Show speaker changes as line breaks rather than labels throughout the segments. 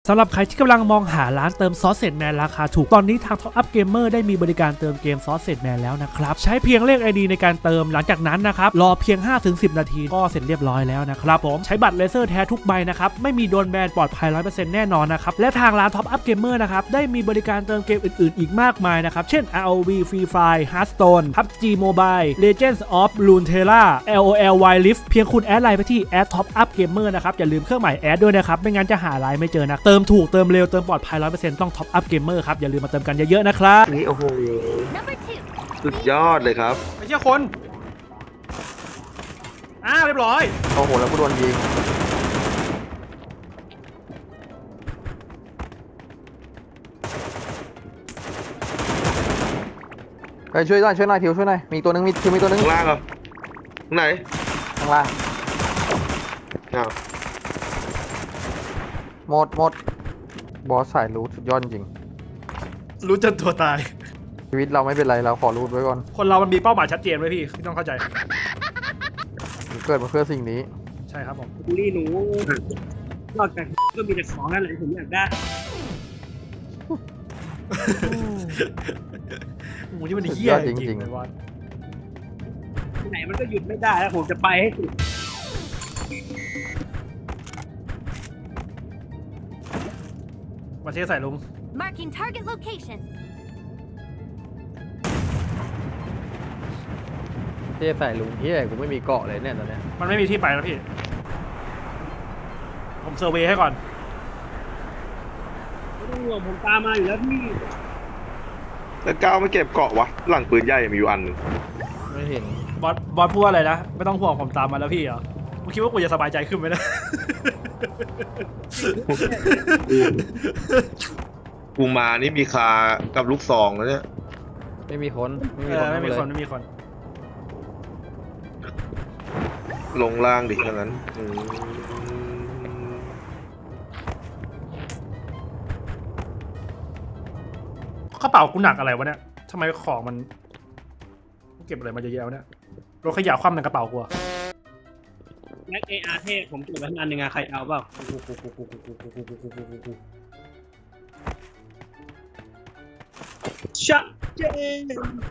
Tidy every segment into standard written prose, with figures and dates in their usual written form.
สำหรับใครที่กำลังมองหาร้านเติมซอสเซจแมนราคาถูกตอนนี้ทาง Top Up Gamer ได้มีบริการเติมเกมซอสเซจแมนแล้วนะครับใช้เพียงเลข ID ในการเติมหลังจากนั้นนะครับรอเพียง 5-10 นาทีก็เสร็จเรียบร้อยแล้วนะครับผมใช้บัตรเลเซอร์แท้ทุกใบนะครับไม่มีโดนแบนปลอดภัย 100% แน่นอนนะครับและทางร้าน Top Up Gamer นะครับได้มีบริการเติมเกมอื่นๆอีกมากมายนะครับเช่น ROV Free Fire Hearthstone PUBG Mobile Legends of Runeterra LOL Wild Rift เพียงคุณแอดไลน์ไปที่ @Top Up Gamer นะครับอย่าลืมเครื่องหมายแอดด้วยนะครับไม่งั้นจะหาไลน์ไม่เจอนะเติมถูกเติมเร็วเติมปลอดภัย 100% ต้อง Top Up Gamer ครับอย่าลืมมาเติมกันเยอะๆนะครับ
นี่โอ้โหสุดยอดเลยครับ
ไม่ใช่คนเรียบร้อย
โอ้โหแล้วก็โดนยิงไปช่วยหน่อยทิวช่วยหน่อยมีตัวนึงมีตัวนึงข้างล่างเหรอไหนข้างล่างหมดบอสสายรูทสุดยอดจริง
รู้จนตัวตาย
ชีวิตเราไม่เป็นไรเราขอรูทไว้ก่อน
คนเรามันมีเป้าหมายชัดเจนไว้พี่ต้องเข้าใจ
เกิดมาเพื่อสิ่งนี้
ใช่ครับผม
บูลลี่หนูนอกจากก็มีแต่ของนั่นแหละผมอยากได้
โอ้ยมันเหี้ยจริงๆ
ไหนมันก็หยุดไม่ได้แล้วผมจะไปให้สุด
มาเชื่อใส่ลุง
Marking target location
เจ๊ใส่ลุงเฮียกูไม่มีเกาะเลยเนี่ยตอนนี้
มันไม่มีที่ไปแล้วพี่ผมเซอร์เวย์ให้ก่อน
ไม่ต้องห่วงผมตามมาอยู่แล้วพี่
แล้วก้าวไม่เก็บเกาะวะหลังปืนใหญ่มีอยู่อันนึงไม่เห็น
บอสพูดอะไรนะไม่ต้องห่วงผมตามมาแล้วพี่เหรอมึงคิดว่ากูจะสบายใจขึ้นไหมนะ
กูมานี่มีคากับลูกซองแล้วเนี่ยไม่มีคนลงล่างดิอย่างนั้น
กระเป๋ากูหนักอะไรวะเนี่ยทำไมของมันเก็บอะไรมาเยอะๆเนี่ยรถขยะคว่ำในกระเป๋ากูอะ
แม็ก AR เทพผมเก็บไว้ทั้งอันหนึ่งอะใครเอาเปล่าชัดเจน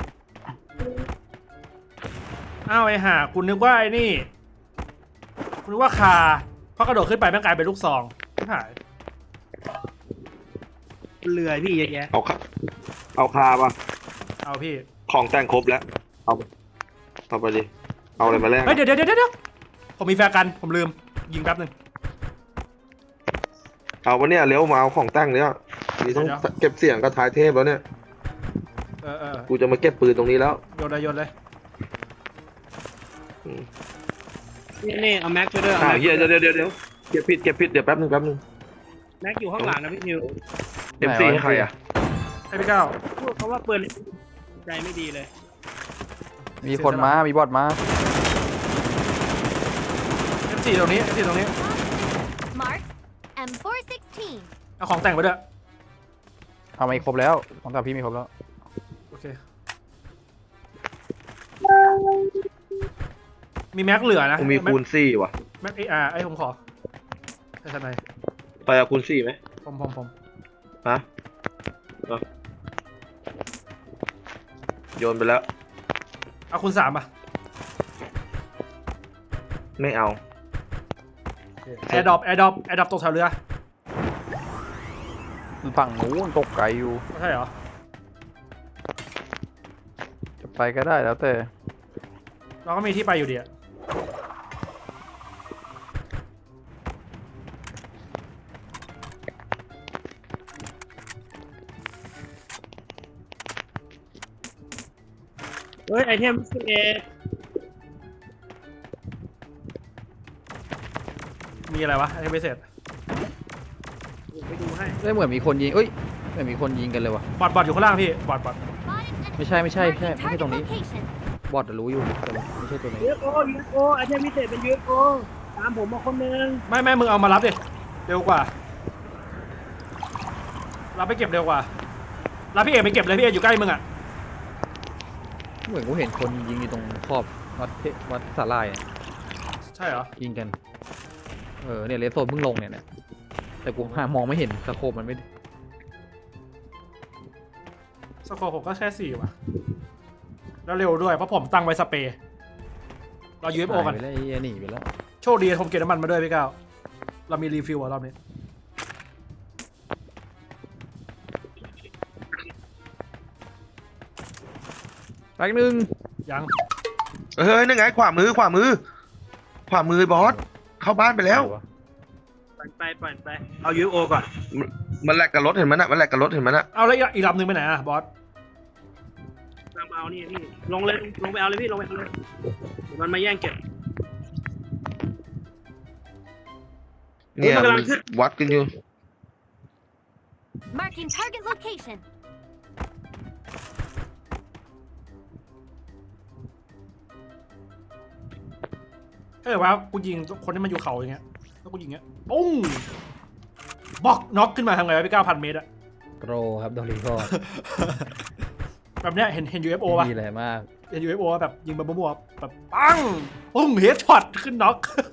ไอ้ห่าคุณนึกว่าไอ้นี่คุณนึกว่าคาพอกระโดดขึ้นไปแม่งกลายเป็นลูกซองไม่หาย
เรือพี่เยอะแยะ
เอาคาป่ะ
เอาพี่
ของแต่งครบแล้วเอาไปดิเอาอะไรมาแลก
เดี๋ยวผมมีแฟร์กันผมลืมยิงแป๊บนึง
เอาวะเนี่ยเร็วมาเอาของแต่งเนี่ยมีต้องเก็บเสียงกับท้ายเทพแล้วเนี่ยกูจะมาเก็บปืนตรงนี้แล้ว
โยนเลย
นี่เอาแม็กช่วยด้วย
เดี๋ยวเก็บผิดเดี๋ยวแป๊บนึง
แม็กอยู่ข้างหลังนะพี่ทิว
MC ให้ใครอ่ะ
ให้พี่ก้าว
พูดเขาว่าปืนใจไม่ดีเลย
มีคนมามีบอทมา
MC ตรงนี้
Mark M416
เอาของแต่งไปด้วย
เอาไม่ครบแล้วของแต่พี่มีครบแล้ว
โอเคมีแม็กเหลือนะ
มีคูณ4ว่ะ
แม็ก AR ไอ้ผมขอไอ้ทนาย
ไปเอาคูณ4ไหม
ผม
ฮะโยนไปแล้ว
เอาคูณ3ป่ะ
ไม่เอา
แอร์ดรอปตกแถวเรือ
ฝั่งนู้นตกไกลอยู่
ใช่เหรอ
จะไปก็ได้แล้วแต่
เราก็มีที่ไปอยู่ดีอะ
เฮ้ยไอเทม11
มีอะไรวะไอเทมพิเศษ
ไปดูให้
ได้เหมือนมีคนยิงเหมือนมีคนยิงกันเลยวะ
บอทอยู่ข้างล่างพี่บอท
ไม่ใช่ตรงนี้บอทรู้อยู่แต่ไม่ใช่ตัวนี้
UFOไอเทมพิเศษเป็น UFO ตามผมมาคนนึง
ไม่มึงเอามารับดิเร็วกว่ารับไปเก็บเร็วกว่ารับพี่เอกไปเก็บเลยพี่เอกอยู่ใกล้มึงอ่ะ
เหมือนกูเห็นคนยิงอยู่ตรงขอบวัดสาลายเนี่ย
ใช่เหรอ
ยิงกันเนี่ยเลสโซนเพิ่งลงเนี่ย
แต่กูหามองไม่เห็นสโคปมันไม่
สกอร์ผมก็แค่4ว่ะแล้วเร็วด้วยเพราะผมตั้งไว้สเปรย์เรา UFO กัน
หายไปแล้วไอ้เหี้ยหนีไปแล้ว
โชคดีผมเก็บน้ำมันมาด้วยพี่ก้าวเรามีรีฟิลอะรอบนี้
แป๊กหนึ่ง
ยัง
เฮ้ยนั่นไงขวามือบอสเข้าบ้านไปแล้ว
ปล่อยไปเอา UFO ก่อน
มันแลกกับรถเห็นมันน่ะมันแลกกับรถเห็นมันน่ะ
เอาแล้วอีกลำหนึ่งไปไหนอะบอส
ตามเอานี่พี่ลงเลยลงไปเอาเลยพี่ลงไปเอาเลยเดี๋ยวมันมาแย่งเก็บ
เนี่ย
มันกำลังขึ้น
วัดกันอยู่
Marking target location.
ถ้าเกิดว่ากูยิงคนที่มันอยู่เขาอย่างเงี้ยแล้วกูยิงเงี้ยปุ้งบล็อกน็อกขึ้นมาทำไงวะพี่9,000 เมตรอะ
โกรครับโดนรีพอร์ต
แบบเนี้ยเห็น UFO ป่ะ
ดีเลยมาก
เห็น UFO แบบยิงแบบมั่วๆแบบปังปุ้งเฮดช็อตขึ้นน็อก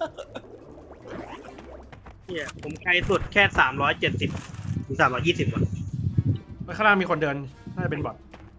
เนี่ยผมไกลสุดแค่370 ถึง 320 ว่ะ
แล้วข้างล่างมีคนเดินน่าจะเป็นบอท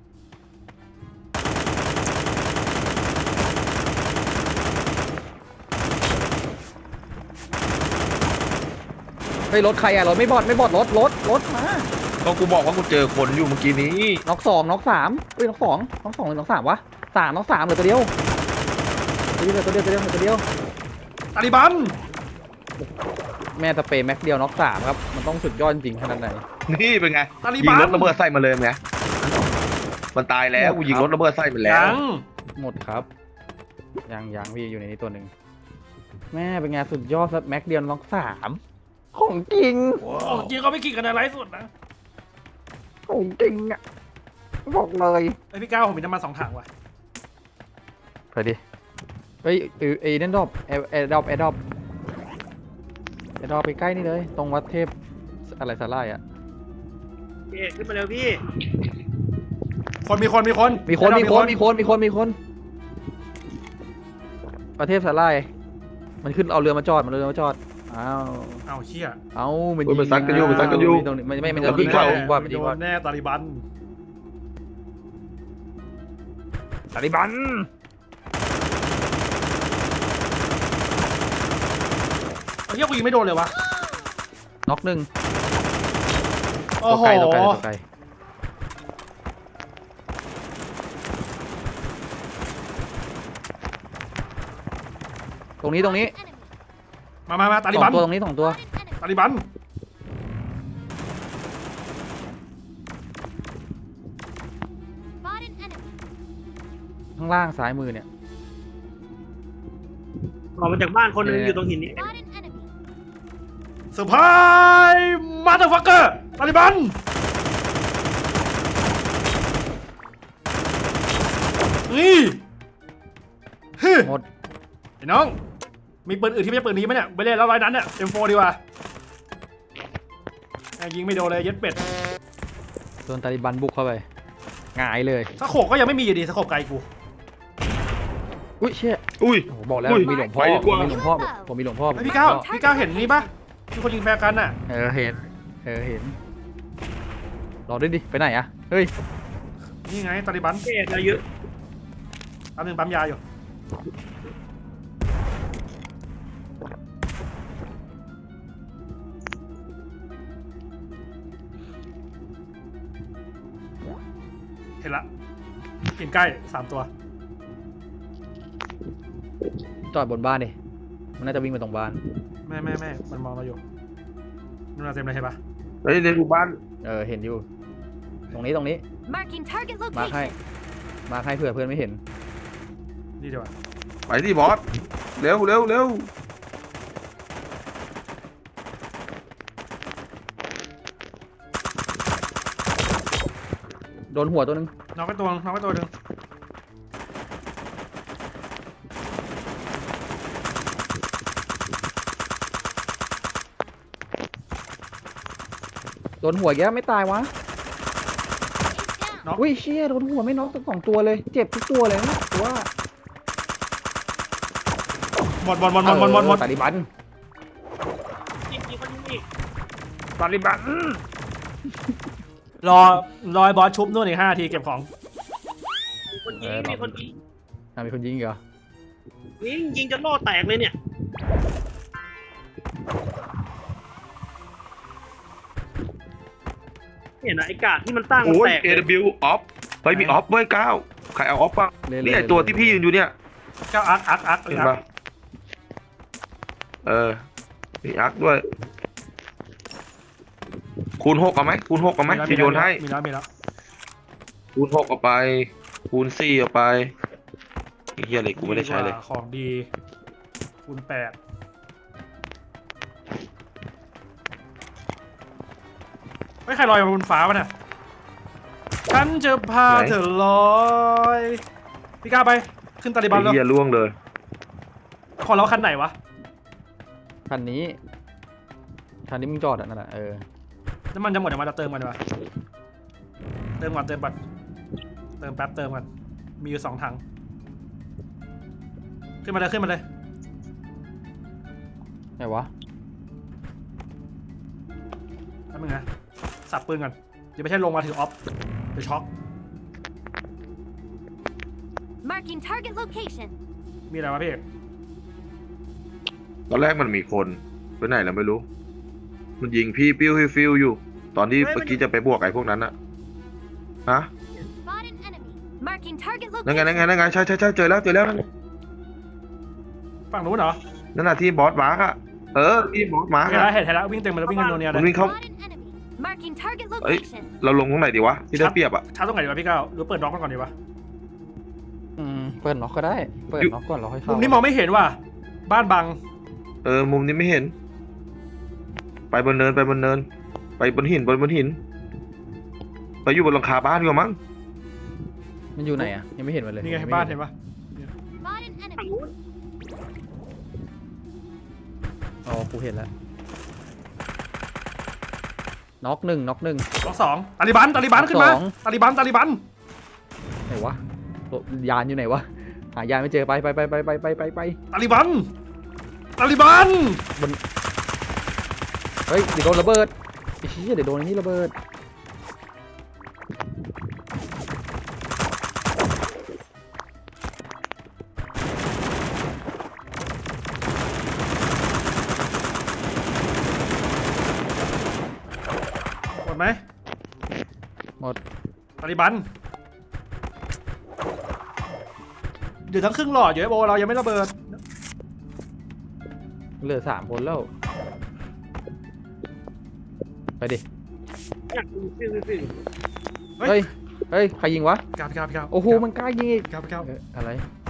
เฮ้ยรถใครอะรถไม่บอดรถมา
ก็กูบอกว่ากูเจอคนอยู่เมื่อกี้นี้
น็อก2น็อก3เฮ้ยน็อก2หรือน็อก3วะ3น็อก3เหลือตัวเดียวเหลือตัวเดียว
ตาลิบัน
แม่สเปรย์แม็กเดียวน็อก3ครับมันต้องสุดยอดจริงขนาดไหน
นี่เป็นไง
ตาลิ
ยิ
บั
ง
น
รถระเบิดใส่มาเลยไงมันตายแล้วกูยิงรถระเบิดใส่มันแล้ว
ยัง
หมดครับยังพี่อยู่ในนี้ตัวหนึ่งแม่เป็นไงสุดยอดแม็กเดียวน็อก3ของจริง
จริงเขาไม่กี่กันในไลฟ์สดนะ
ของจริงอ่ะบอกเลย
ไอพี่ก้าวผมมีน้ำมัน2 ถังว่ะ
ไปดิเฮ้ยไอ้นั่นดอบแอร์ดอบไปใกล้นี่เลยตรงวัดเทพอะไรสาลายอ่ะ
พี่ขึ้นมาเร็วพี่
มีคน
มีคนประเทศสาลายมันขึ้นเอาเรือมาจอดอ้าว
เอาเชี่ย
เอามัน
โอ้ยมันซัดกันอยู่
ตรงนี้มัน
เอา
จะ
ขึ้
ยิ
น
ง
เขา
ว่ามัน
โด
ยิงว่าน
แน่ตาลิบัน
ตาลิบัน
เอาเชี่ยกูยิงไม่โดนเลยวะ
น็อกหนึ่ง
โอ้โห
ตัวไกลตรงนี้
Enemy.
มาตาลิ
ส
บั
อน งตัวตรงนี้2 ตัว
Spotted enemy.
ตาลิบัน
Spotted enemy.
ข้างล่างซ้ายมือเนี่ย
ออกมาจากบ้านคนหนึงอยู่ตรงหินนี้
Spotted enemy.
เซอร์ไพรส์มาเตอร์ฟักเกอร์ตาลิบันนี่ฮึ
หมด
ไอ้น้องมีปืนอื่นที่ไม่ใช่ปืนนี้ไหมเนี่ยไปเล่นแล้วร้อยนั้นเนี่ย M4 ดีกว่าแม่งยิงไม่โดนเลยเย็ดเป็ด
โดนตาลิบันบุกเข้าไปหงายเลย
สโคปก็ยังไม่มีอยู่ดีสโคปไกลกู
อุ้ยเชี่ย
อุ้ย
โอ้โหบอกแล้ว
อุ้ย
มีหลวงพ่อ
ไปดีกว่า
ผมมีหลวงพ่อผมมีหลวงพ่อ
เฮ้ยพี่ก้าวเห็นนี่ปะมีคนยิงแฟร์กันน่ะ
เห็นรอด้วยดิไปไหนอะเฮ้ย
นี่ไงตาลิบัน
พี่เราเยอะ
ปั๊มหนึ่งปั๊มยาอยู่เห็นละหินใกล้3 ตัว
จอดบนบ้านดิมันน่าจะวิ่งไปตรงบ้าน
แม่มันมองเราอยู่นู่นนะเต็มเลยเห็นปะ
เฮ้ยในหมู่บ้าน
เห็นอยู่ตรงนี้
Marking target
มาร์คให้
location.
เผื่อเพื่อนไม่เห็น
นี่เดี๋ยวอะ
ไปที่บอสเร็ว
โดนหัวตัวนึง
น้องก็ตัวหนึ่ง
โดนหัวแย่ไม่ตายวะ
Ace down.
อุ้ยเชี่ยโดนหัวไม่น็อกทั้ง2 ตัวเลยเจ็บทุกตัวเลยนะว่า
หมด
ตาลิบัน
อีกคนนึงอีก
ตาลิบันรอไอ้บอสชุบนู่นอีก5 นาทีเก็บของ
มีคนยิงมีคนยิง
มีคนยิงอีกเหรอ
ยิงจนโล่แตกเลยเนี่ยเห็นนะไอ้กาดที่มันตั้งมัน
โอ้ย
แตก
AW ออฟเฮ้ยมีออฟเว้ยก้าวใครเอาออฟป่ะ
เล่น
นี่ไอตัวที่พี่ยืนอยู่เนี่ย
เจ้าอัก
เห็นป่ะมีอักด้วยคูณ 6เอาไหมคูณ 6เอาไหมจะโยนให้
มีแล้ว
คูณ 6เอาไปคูณ 4เอาไปไอ้เฮียอะไรกูไม่ได้ใช้เลย
ของดีคูณ 8ไม่ใครลอยมาบนฟ้าวะเนี่ยฉันจะพาเธอลอยพี่กล้าไปขึ้นตาลิบัน
ไอ้
แล้ว
เฮียล่วงเลย
ของเราคันไหนวะ
คันนี้มึงจอดอ่ะนั่นแหละ
น้ำมันจะหมดเดี๋ยวมาจะเติมกันดีกว่าเติมก่อนเติมแป๊บเติมก่อนมีอยู่2 ถังขึ้นมาเลย
ไหนวะ
แป๊บนึงนะสับปืนก่อนเดี๋ยวไม่ใช่ลงมาถือออฟเดี๋ยวช็อก
Marking target location.
มีอะไรวะพี่
ตอนแรกมันมีคนไปไหนแล้วไม่รู้ มันยิงพี่ปิ้วฟิวอยู่ ตอนที่เมื่อกี้จะไปบวกไอ้พวกนั้นอะฮะ
Spot an enemy. Marking target
นั่นไง
location.
ใช่เจอแล้วนั่น
ฝั่งนู้นเหรอ
นั่นน่ะที่บอสมาร์กอะที่บอสมาร์ก
เห็น
อะ
แล้ววิ่งเต็มไปแล้ววิ่งกันโนเนียเล
มัน
ย
วิ่งเข้า
Spot an enemy. Marking target
เอ้ย
location.
เราลงตรงไหนดีวะที่ได้เปรียบอะ
ชาร์จตรงไหนดีวะพี่ก้าวหรือเปิดน็อกก่อนดีวะ
เปิดน็อกก็ได้ เปิดน็อกก่อนเราค่อยเข้า
มุมนี้มองไม่เห็นว่ะบ้านบัง
มุมนี้ไม่เห็น ไปบนเนินไปบนหินไปอยู่บนหลังคาบ้านดีกว่ามั้ง
มันอยู่ไหนอ่ะยังไม่เห็นมันเลย
นี่ไงบ้านเห็นปะ
Spot an
ฝั่ง
enemy.
นู้น
อ๋อกูเห็นแล้วน็อกหนึ่ง
ล็อก2ตาลิบันขึ้นมา
ล็อกสอง
ตาลิบัน
ไหนวะยานอยู่ไหนวะหายานไม่เจอไป
ตาลิบัน
เฮ้ยเดี๋ยวโดนระเบิดไอ้เชี่ยเดี๋ยวโดนไอ้นี่ระเบิด
หมดไหม
หมด
ตาลิบันเดี๋ยวทั้งครึ่งหลอดอยู่ไอ้โบเรายังไม่ระเบิด
เหลือ3 คนแล้วไปดิ
อยากดูฟิว
เฮ้ยใครยิงวะ
พี่ก้าว
โอ้โหมันกล้ายิงอีก
พี่ก้าว
อะไร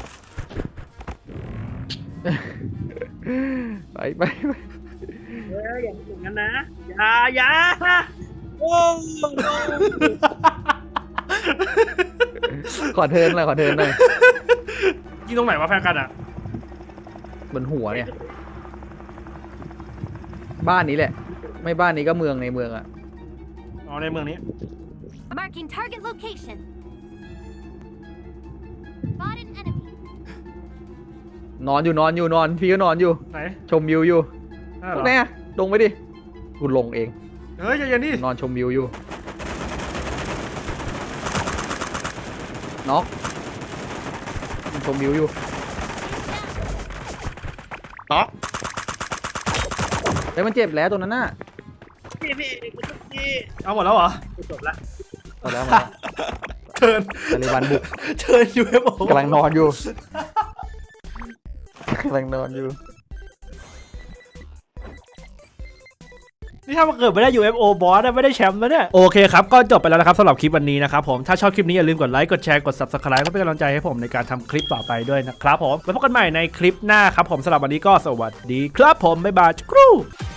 ไป
อย่าทำอย่างนั้นนะอย่าโอ้
ขอเทิร์นหน่อย
ยิงตรงไหนวะแฟนกันอ่ะ
บนหัวเนี่ยบ้านนี้แหละ ไม่บ้านนี้ก็เมืองในเมืองอะ
อ๋อในเมืองนี้
Marking target location. Spot an enemy.
นอนพี่ก็นอนอยู่
ไหน
ชมวิวอยู่
นั่นเหรอ
แน่ลงไปดิกูลงเอง
เฮ้ยใจเย็นดิ
นอนชมวิวอยู่น็อกชมวิวอยู่
น็อก
เฮ้ยมันเจ็บแล้วตัวนั้นน่ะ
พี่
เอาหมดแล้วเหรอ
จบละ
เอาแล้วมา
เชิญ
ตาลิบันบุก
เชิญ UFO
กำลังนอนอยู่
นี่ถ้ามันเกิดไม่ได้ UFO บอสไม่ได้แชมป์แล้วเนี่ยโอเคครับก็จบไปแล้วนะครับสำหรับคลิปวันนี้นะครับผมถ้าชอบคลิปนี้อย่าลืมกดไลค์กดแชร์กด Subscribe ก็เป็นกำลังใจให้ผมในการทำคลิปต่อไปด้วยนะครับผมไว้พบกันใหม่ในคลิปหน้าครับผมสำหรับวันนี้ก็สวัสดีครับผมบ๊ายบายครู